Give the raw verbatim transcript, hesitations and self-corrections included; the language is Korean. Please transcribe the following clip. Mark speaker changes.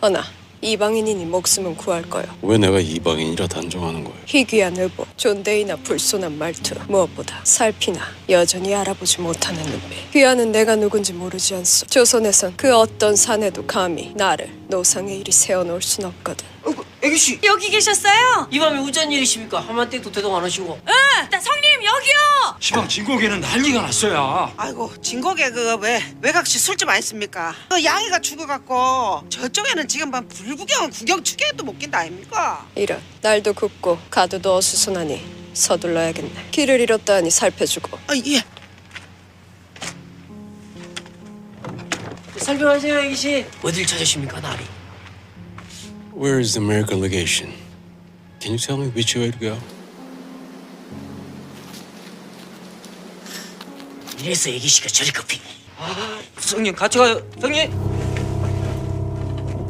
Speaker 1: 허나 이방인이니 목숨은 구할 거요.
Speaker 2: 왜 내가 이방인이라 단정하는 거야?
Speaker 1: 희귀한 의복, 존대이나 불손한 말투, 무엇보다 살피나 여전히 알아보지 못하는 눈빛. 귀하는 내가 누군지 모르지 않소. 조선에선 그 어떤 사내도 감히 나를 노상의 일이 세워놓을 순 없거든.
Speaker 3: 어이구, 애기씨
Speaker 4: 여기 계셨어요?
Speaker 3: 이 밤에 우짠 일이십니까? 한마디도 대동 안 하시고.
Speaker 4: 응! 나 성님 여기요!
Speaker 5: 시방 진국에는 난리가 났어요.
Speaker 6: 아이고 진국에 그 왜 외곽씨 술집 아닙니까? 그 양이가 죽어갖고 저쪽에는 지금 막 불구경 구경 축제도 못 낀다 아닙니까?
Speaker 1: 이런 날도 굽고 가도도 어수선하니 서둘러야겠네. 길을 잃었다 하니 살펴주고.
Speaker 6: 아 예.
Speaker 3: 설명하세요, 애기씨. 어딜 찾으십니까, 나리?
Speaker 2: Where is the American legation? Can you tell me which way to go?
Speaker 3: 이래서 애기씨가 저리 급해. 아, 성님 같이 가요, 성님.